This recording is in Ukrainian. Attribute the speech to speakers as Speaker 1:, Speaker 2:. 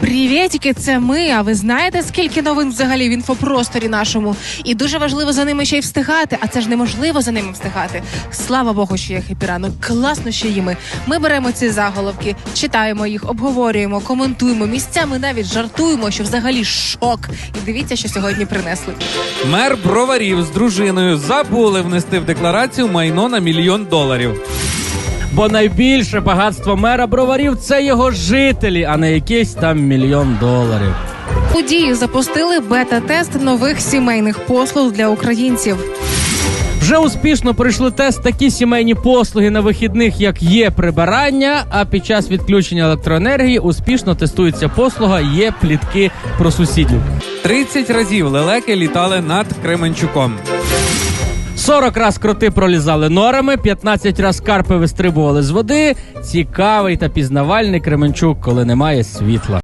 Speaker 1: Привітики, це ми. А ви знаєте, скільки новин взагалі в інфопросторі нашому? І дуже важливо за ними ще й встигати. А це ж неможливо за ними встигати. Слава Богу, що є хепі-ранок. Класно, що є ми. Ми беремо ці заголовки, читаємо їх, обговорюємо, коментуємо, місцями навіть жартуємо, що взагалі шок. І дивіться, що сьогодні принесли.
Speaker 2: Мер Броварів з дружиною забули внести в декларацію майно на $1 мільйон.
Speaker 3: Бо найбільше багатство мера Броварів – це його жителі, а не якийсь там $1 мільйон.
Speaker 1: У Дії запустили бета-тест нових сімейних послуг для українців.
Speaker 3: Вже успішно пройшли тест такі сімейні послуги на вихідних, як є прибирання, а під час відключення електроенергії успішно тестується послуга «Є плітки про сусідів».
Speaker 2: 30 разів лелеки літали над Кременчуком.
Speaker 3: 40 раз кроти пролізали норами, 15 раз карпи вистрибували з води. Цікавий та пізнавальний Кременчук, коли немає світла.